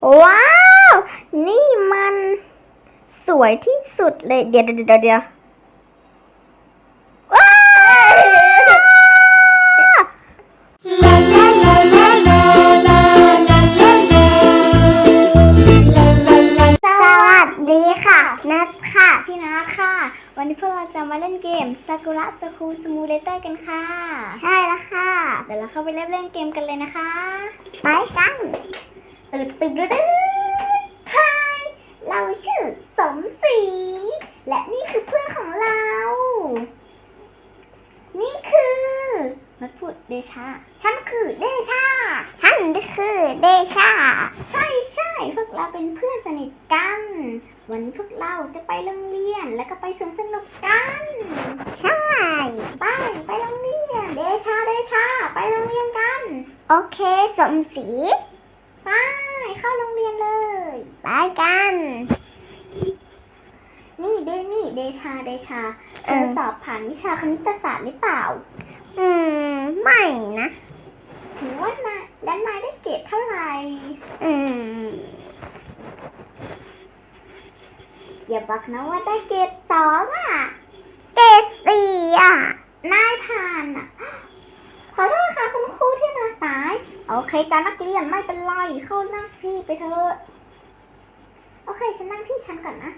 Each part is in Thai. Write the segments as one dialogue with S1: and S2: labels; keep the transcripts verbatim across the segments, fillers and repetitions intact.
S1: ว้าว นี่มันสวยที่สุดเลยเดี๋ยวเดี๋ยวเดี๋ยวว้าวสวัสดีค่ะนัทค่ะพี่นัทค่ะวันนี้พวกเราจะมาเล่นเกมซากุระสคูลซิมูเลเตอร์กันค่ะใช่แล้วค่ะเดี๋ยวเราเข้าไปเล่นเล่นเกมกันเลยนะคะไปกันตื่นตื่นดื้อฮายเราชื่อสมศรีและนี่คือเพื่อนของเรานี่คือนัทพูดเดชาฉันคือเดชาฉันคือเดชาใช่ใช่พวกเราเป็นเพื่อนสนิทกันวันนี้พวกเราจะไปโรงเรียนแล้วก็ไปสวนสนุกกันใช่ไปไปโรงเรียนเดชาเดชาไปโรงเรียนกันโอเคสมศรีไปเข้าโรงเรียนเลยไปกันนี่เดนี่เดชาเดชาเธอสอบผ่านวิชาคณิตศาสตร์หรือเปล่าอืมไม่นะถือว่านายและนายได้เกรดเท่าไหร่อืมอย่าบอกนะว่าได้เกรดสองอ่ะเกรดสี่อ่ะนายผ่านอ่ะขอโทษค่ะคุณครูที่มาสายโอเคจ้านักเรียนไม่เป็นไรเข้านั่งที่ไปเถอะโอเคฉันนั่งที่ฉันก่อนนะ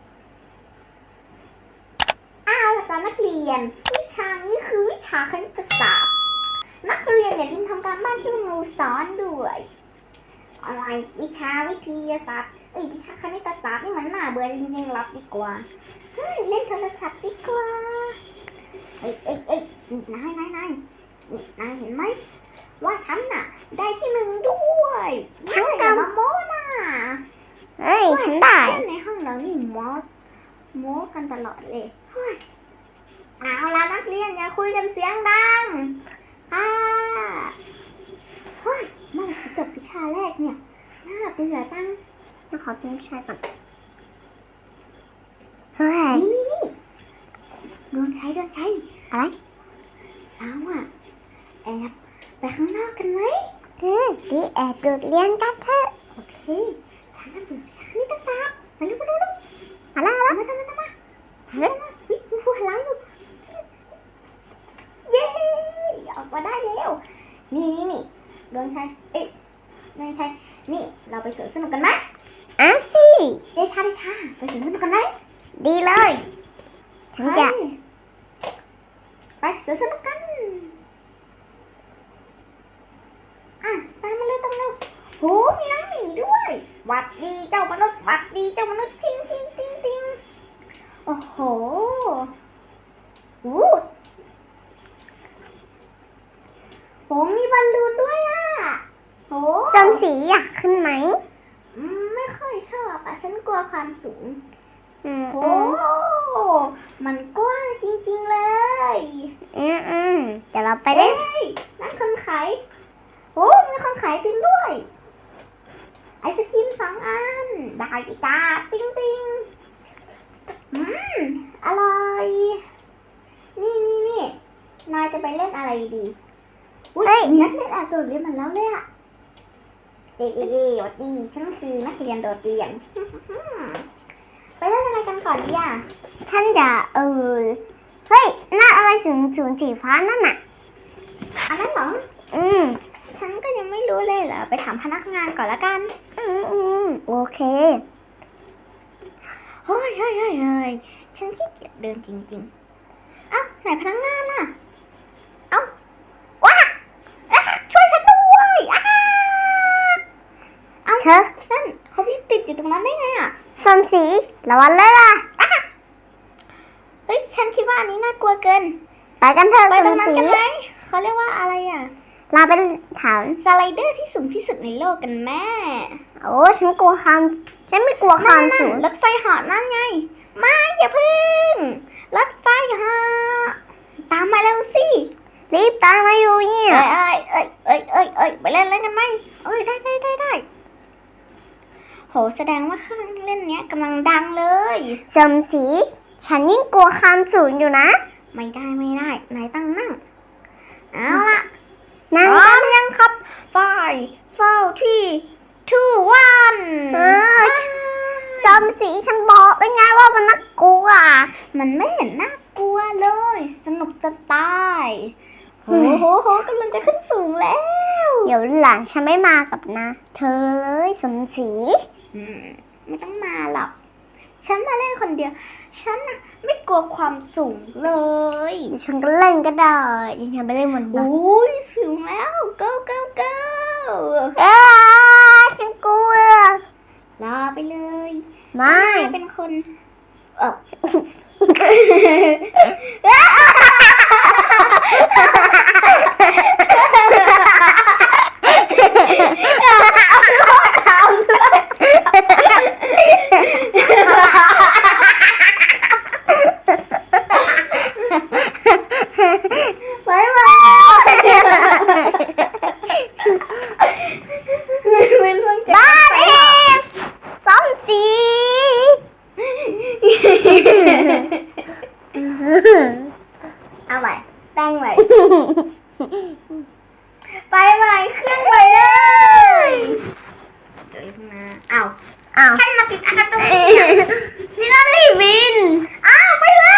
S1: อ้าวจ้านักเรียนวิชานี้คือวิชาคณิตศาสตร์นักเรียนอย่าลืมทำการบ้านที่ครูสอนด้วยอะไรวิชาวิทยาศาสตร์เอ้ยวิชาคณิตศาสตร์นี่มันน่าเบื่อจริงๆรับดีกว่าเฮ้ยเล่นโทรศัพท์ดีกว่าเอ้ยเอ้ยเอ้ยนายนายนายนายเห็นไหมว่าฉันน่ะได้ที่หนึ่งด้วยฉันกับมาโม้น่ะเอ้ยฉันได้ในห้องเรานี่โม้โม้กันตลอดเลยเฮ้ยเอาละนักเรียนอย่าคุยกันเสียงดังค่ะเฮ้ยเมื่อไหร่จะจบวิชาแรกเนี่ยน่าเบื่อจังจะขอเป็นวิชาก่อนเฮ้ยนี่นี่นี่ดวงใช้ดวงใช้อะไรเอาอะแอบไปข้างนอกกันไหมเออดีแอบโดดเรียนกันเถอะโอเคฉันน่ะเบื่อวิชาคณิตศาสตร์ไปเร็วไปเร็วมาแล้วมาแล้วมาแล้วมาแล้วเฮ้ยวิวหัวหลังอยู่เย้ออกมาได้แล้วนี่นี่นี่ดวงชัยเอ๊ะดวงชัยนี่เราไปสวนสนุกกันไหมอ่ะสิเดชาเดชาไปสวนสนุกกันไหมดีเลยฉันจะไปสวนสนุกกันอ่ะตามมาเลยตามมาเลยโหมีน้องหมีด้วยหวัดดีเจ้ามนุษย์หวัดดีเจ้ามนุษย์ชิงชิงชิงชิงโอ้โหอู้โหมีบอลลูนด้วยอ่ะโหสมศรีอยากขึ้นไหมอืมไม่ค่อยชอบอ่ะฉันกลัวความสูงอืมโหมันกว้างจริงๆเลยอืมอืมเดี๋ยวเราไปเล่นนั่นคนขายโอ้มีคนขายติมด้วยไอศครีมสองอันได้จ้าติ้งติ้งอืมอร่อยนี่นี่นี่นายจะไปเล่นอะไรดีอุ้ยนักเรียนแอบโดดเรียนมันแล้วเลยอะเอ๊ะเอ๊ะเอ๊ะวัดดีฉันคือนักเรียนโดดเรียนไปเล่นอะไรกันก่อนดีอ่ะฉันจะเออเฮ้ยน่าอะไรสูงสูงสีฟ้านั่นน่ะอันนั้นเหรออืมฉันก็ยังไม่รู้เลยเหรอไปถามพนักงานก่อนละกันอืมอืมโอเคเฮ้ยเฮ้ยเฮ้ยเฮ้ยฉันขี้เกียจเดินจริงๆเอ้าไหนพนักงานน่ะเอ้าว้าช่วยฉันด้วยอ้าเอ้าเธอนั่นเขาติดอยู่ตรงนั้นได้ไงอ่ะสมศรีระวังเลยล่ะเฮ้ยฉันคิดว่าอันนี้น่ากลัวเกินไปกันเถอะสมศรีเขาเรียกว่าอะไรอ่ะเราเป็นถามสไลเดอร์ที่สูงที่สุดในโลกกันแม่โอ้ฉันกลัวความฉันไม่กลัวความสูงรถไฟเหาะนั่นไงมาอย่าพึ่งรถไฟเหาะตามมาเร็วสิรีบตามมาอยู่เนี่ยเอ้ยเอ้ยเอ้ยเอ้ยเอ้ยไปเล่นเล่นกันไหมเอ้ยได้ได้ได้ได้โหแสดงว่าเครื่องเล่นเนี้ยกำลังดังเลยสมศรีฉันยิ่งกลัวความสูงอยู่นะไม่ได้ไม่ได้นายตั้งนั่งเอาละพร้อมยังครับไฟเฝ้าที่ two one มศรีฉันบอกได้ไงว่ามันน่ากลัวมันไม่เห็นน่ากลัวเลยสนุกจะตายโอ้โหโหกำลังจะขึ้นสูงแล้วเดี๋ยวหลังฉันไม่มากับนะเธอเลยสมศรีไม่ต้องมาหรอกฉันมาเล่นคนเดียวฉันน่ะไม่กลัวความสูงเลยฉันก็เล่นก็ได้ฉันไปเล่นบนบ้านอุ้ยสูงแล้ว go go go เอ้ยฉันกลัวรอไปเลยไม่เป็นคนเออเอาใหม่ตั้งใหม่ไปใหม่เครื่องไปเลยเดี๋ยวนะอ้าวอ้าวให้มาติดอะไรตรงนี้นี่เรารีบินอ้าวไปเลย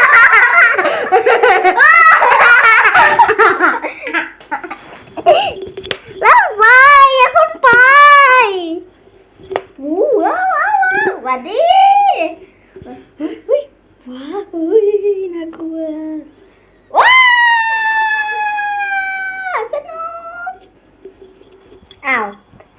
S1: แล้วไปอย่าขึ้นไปวู้ว้าวว้าวสวัสดีว้าวเฮ้ยน่ากลัวว้าวสนุกอ้าว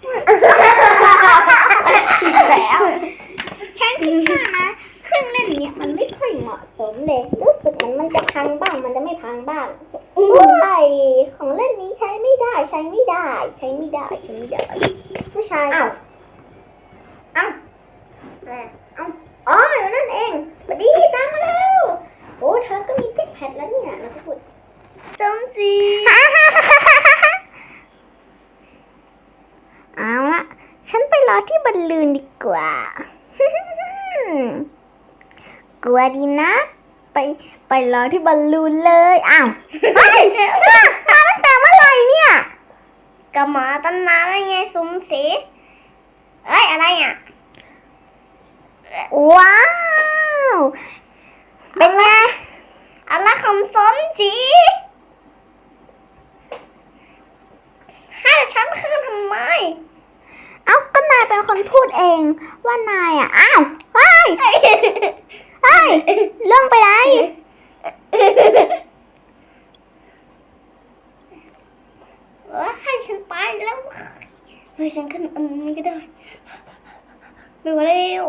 S1: แล้วฉันคิดว่านะเครื่องเล่นเนี้ยมันไม่ค่อยเหมาะสมเลยรู้สึกเหมือนมันจะพังบ้างมันจะไม่พังบ้างใช่ของเล่นนี้ใช้ไม่ได้ใช้ไม่ได้ใช้ไม่ได้ใช้ไม่ได้ผู้ชายอ้าวอ้าวอ้าวอ๋อนั่นเองสวัสดีตามมาแล้วโอ้เธอก็มีแจ็คแพดแล้วเนี่ยเราจะพูดสมศรีเอาละฉันไปรอที่บอลลูนดีกว่ากลัวดีนะไปไปรอที่บอลลูนเลยอ้าวเฮ้ยมาตั้งแต่เมื่อไหร่เนี่ยก็มาตั้งนานแล้วไงสมศรีเอ้ยอะไรอ่ะว้าวเป็นไงอะไรคำสอนจีให้ฉันขึ้นทำไมเอ้าก็นายเป็นคนพูดเองว่านายอ่ะอ้าวเฮ้ยเฮ้ยเรื่องไปไหนเออให้ฉันไปแล้วเฮ้ยฉันขึ้นอันนี้ก็ได้ไม่ไหวแล้ว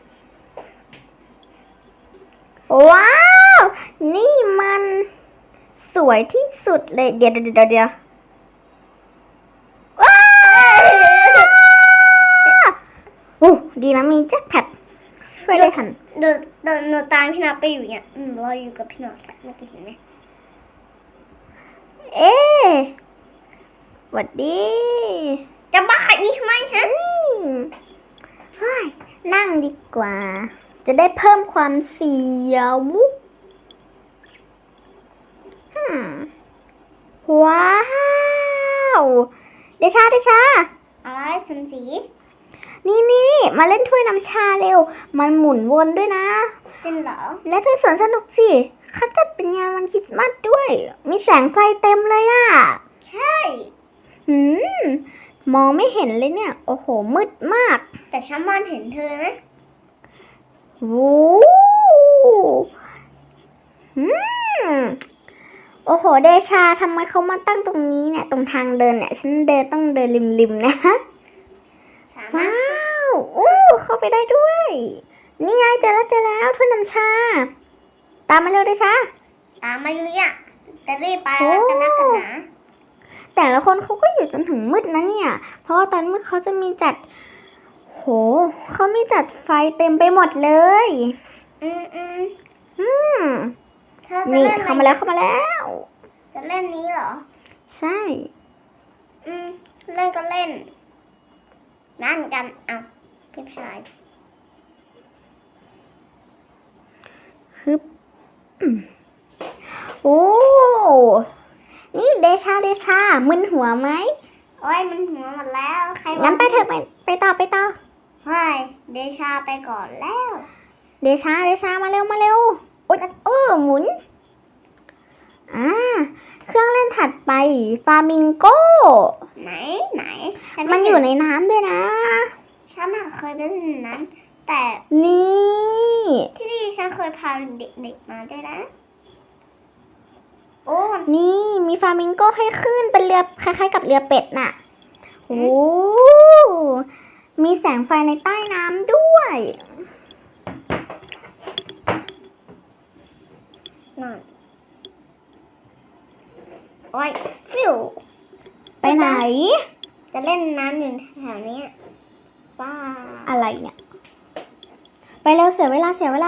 S1: ว้าวนี่มันสวยที่สุดเลยเดี๋ยวเดี๋ยวเดี๋ยวว้าวโอ้ดีนะมีแจ็คแพดช่วยได้ทันเดินเดินเดินตามพี่นัทไปอยู่เนี่ยอืมเราอยู่กับพี่นัทเมื่อกี้เห็นไหมเอ๊ะหวัดดีจะบ้าอีกไหมฮะเฮ้ยนั่งดีกว่าจะได้เพิ่มความเสียวว้าวเดชาเดชาอะไรสมศรีนี่นี่มาเล่นถ้วยน้ำชาเร็วมันหมุนวนด้วยนะจริงเหรอและถ้วยสวนสนุกสิเขาจัดเป็นงานวันคริสต์มาสด้วยมีแสงไฟเต็มเลยอ่ะใช่หืมมองไม่เห็นเลยเนี่ยโอ้โหมืดมากแต่ฉันมองเห็นเธอนะโอ้อืมโอ้โหเดชาทำไมเขามาตั้งตรงนี้เนี่ยตรงทางเดินเนี่ยฉันเดินต้องเดินริมๆนะว้าวโอ้เข้าไปได้ด้วยนี่ไงเจอแล้วเจอแล้วถ้วยน้ำชาตามมาเร็วเดชาตามมาอยู่เนี่ยจะรีบไปแล้วกันนะกันนะแต่ละคนเขาก็อยู่จนถึงมืดนะเนี่ยเพราะว่าตอนมืดเขาจะมีจัดโหเขามีจัดไฟเต็มไปหมดเลยอืมอืมอืมนี่เข้ามาแล้วเข้ามาแล้วจะเล่นนี้เหรอใช่อืมเล่นก็เล่นนั่นกันเอาพี่ชายฮึบโอ้นี่เดชาเดชามึนหัวไหมโอ้ยมึนหัวหมดแล้วใครงั้นไปเถอะไปไปต่อไปต่อไม่เดชาไปก่อนแล้ว เดชาเดชามาเร็วมาเร็วโอ๊ยเออหมุนอ่าเครื่องเล่นถัดไปฟามิงโกไหนไหนมันอยู่ในน้ำด้วยนะฉันเคยไปเล่นน้ำแต่นี่ที่นี่ฉันเคยพาเด็กๆมาด้วยนะโอ้นี่มีฟามิงโกให้ขึ้นเป็นเรือคล้ายๆกับเรือเป็ดน่ะโอ้มีแสงไฟในใต้น้ำด้วยนั่นโอ้ยฟิวไปไหนจะเล่นน้ำอยู่แถวนี้ป้าอะไรเนี่ยไปเร็วเสียเวลาเสียเวลา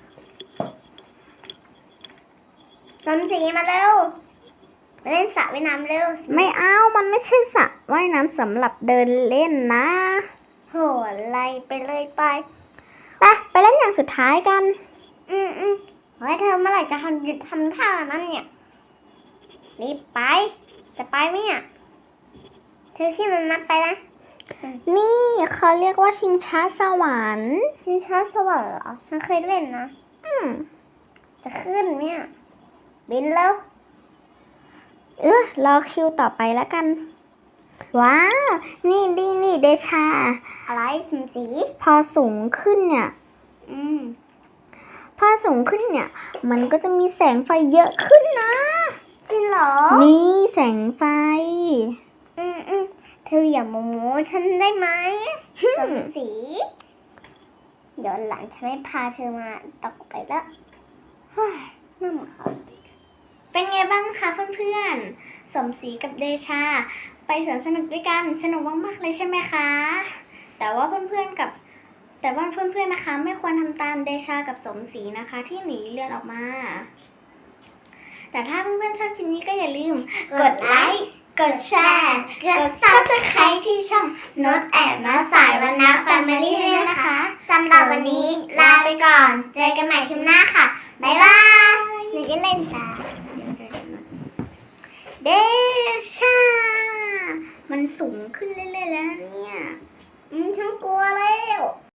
S1: สมศรีมาเร็วไปเล่นสระว่ายน้ำเร็วไม่เอามันไม่ใช่สระว่ายน้ำสำหรับเดินเล่นนะโหอะไรไปเลยไปไปไปเล่นอย่างสุดท้ายกันอืมอืมเฮ้ยเธอเมื่อไหร่จะทำหยุดทำท่านั้นเนี่ยรีบไปจะไปไหมอ่ะเธอขึ้นมันนับไปนะนี่เขาเรียกว่าชิงช้าสวรรค์ชิงช้าสวรรค์เหรอฉันเคยเล่นนะอืมจะขึ้นเนี่ยบินแล้วเออรอคิวต่อไปแล้วกันว้าวนี่นี่นี่เดชาอะไรสมศรีพอสูงขึ้นเนี่ยอืมพอสูงขึ้นเนี่ยมันก็จะมีแสงไฟเยอะขึ้นนะจริงเหรอนี่แสงไฟอืมอืมเธออย่าโมโมฉันได้ไหมสมศรีเดี๋ยวหลังฉันไม่พาเธอมาตกไปแล้วน่าหมดค่ะเป็นไงบ้างคะเพื่อนๆสมศรีกับเดชาไปสวนสนุกด้วยกันสนุกมากๆเลยใช่ไหมคะแต่ว่าเพื่อนๆกับแต่ว่าเพื่อนๆนะคะไม่ควรทำตามเดชากับสมศรีนะคะที่หนีเลือดออกมาแต่ถ้าเพื่อนๆชอบคลิปนี้ก็อย่าลืมกดไลค์กดแชร์กด ซับสไครบ์ ที่ช่องโน้ตแอบน้าสายวรรณะ แฟมิลี่ ด้วยนะคะสำหรับวันนี้ลาไปก่อนเจอกันใหม่คลิปหน้าค่ะบ๊ายบายหนูจะเล่นตาเดชามันสูงขึ้นเรื่อยๆแล้วเนี่ยอืมฉันกลัวแล้ว